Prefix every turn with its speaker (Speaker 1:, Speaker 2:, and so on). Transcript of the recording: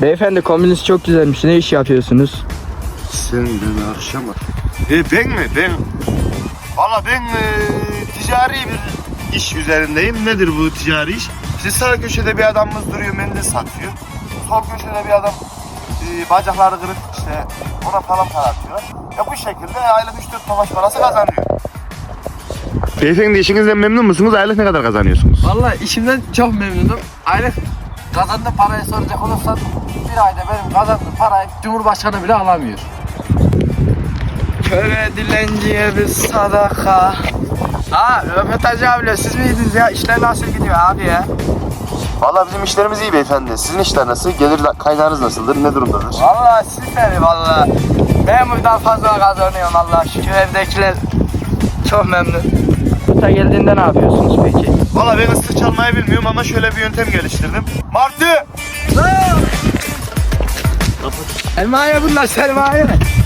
Speaker 1: Beyefendi kombiniz çok güzelmiş. Ne iş yapıyorsunuz?
Speaker 2: Sen beni akşam ben mi? Valla ben ticari bir iş üzerindeyim. Nedir bu ticari iş? İşte sağ köşede bir adamımız duruyor, mendil satıyor. Sol köşede bir adam bacakları kırık, işte ona falan para atıyor. Ya bu şekilde aylık 3-4 tofaş parası kazanıyor. Beyefendi işinizden memnun musunuz? Aylık ne kadar kazanıyorsunuz?
Speaker 3: Vallahi işimden çok memnunum. Aylık kazandığım parayı soracak olursan bir ayda benim kazandığım parayı Cumhurbaşkanı bile alamıyor.
Speaker 1: Köre dilenciye bir sadaka. Röportaj abiyle siz miydiniz ya? İşler nasıl gidiyor abi ya?
Speaker 2: Valla bizim işlerimiz iyi beyefendi. Sizin işler nasıl? Gelir kaynağınız nasıldır? Ne durumdadır?
Speaker 1: Vallahi süper vallahi. Ben buradan fazla kazanıyorum Allah şükür. Evdekiler çok memnun. Burada geldiğinde ne yapıyorsunuz peki?
Speaker 2: Valla ben ıslık çalmayı bilmiyorum ama şöyle bir yöntem geliştirdim. Martı!
Speaker 1: Sermaye bunlar sermaye.